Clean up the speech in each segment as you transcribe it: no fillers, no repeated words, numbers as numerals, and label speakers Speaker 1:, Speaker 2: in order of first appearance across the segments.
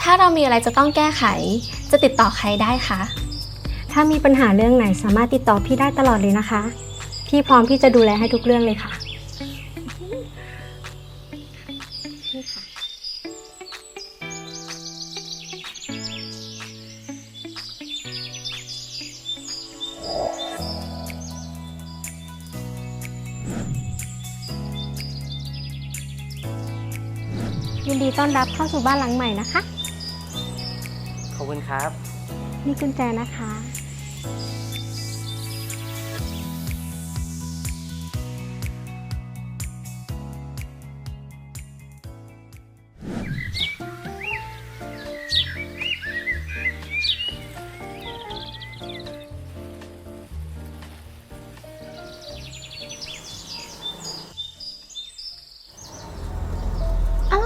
Speaker 1: าเรามีอะไรจะต้องแก้ไขจะติดต่อใครได้คะ
Speaker 2: ถ้ามีปัญหาเรื่องไหนสามารถติดต่อพี่ได้ตลอดเลยนะคะ พี่พร้อมที่จะดูแลให้ทุกเรื่องเลยค่ะยินดีต้อนรับเข้าสู่บ้านหลังใหม่นะคะ
Speaker 3: ขอบคุณครับ
Speaker 2: นี่กุญแจนะคะ
Speaker 1: อ้าว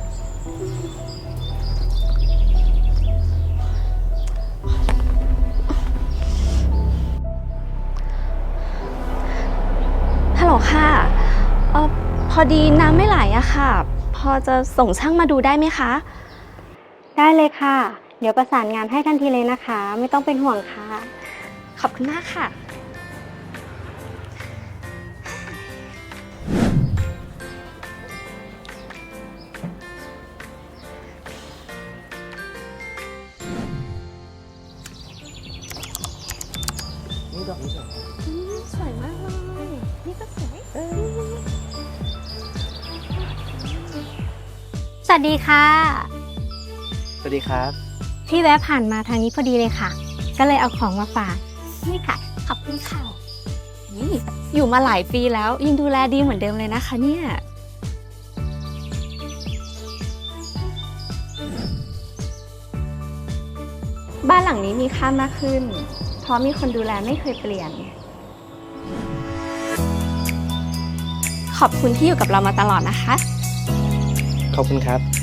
Speaker 1: ฮัลโหลค่ะพอดีน้ำไม่ไหลอะค่ะ พอจะส่งช่างมาดูได้ไหมคะ
Speaker 2: ได้เลยค่ะ เดี๋ยวประสานงานให้ทันทีเลยนะคะ ไม่ต้องเป็นห่วงค่ะ
Speaker 1: ขอบคุณมากค่ะ
Speaker 3: นี่ดอกนี้เหรอ
Speaker 1: สวยมากเลย นี่ก็สวย
Speaker 2: สวัสดีค่ะ
Speaker 3: สวัสดีครับ
Speaker 2: พี่แวะผ่านมาทางนี้พอดีเลยค่ะ ก็เลยเอาของมาฝาก
Speaker 1: นี่ค่ะ ขอบคุณค่ะนี่อยู่มาหลายปีแล้วยังดูแลดีเหมือนเดิมเลยนะคะเนี่ย บ้านหลังนี้มีค่ามากขึ้น เพราะมีคนดูแลไม่เคยเปลี่ยน ขอบคุณที่อยู่กับเรามาตลอดนะคะ
Speaker 3: ขอบคุณครับ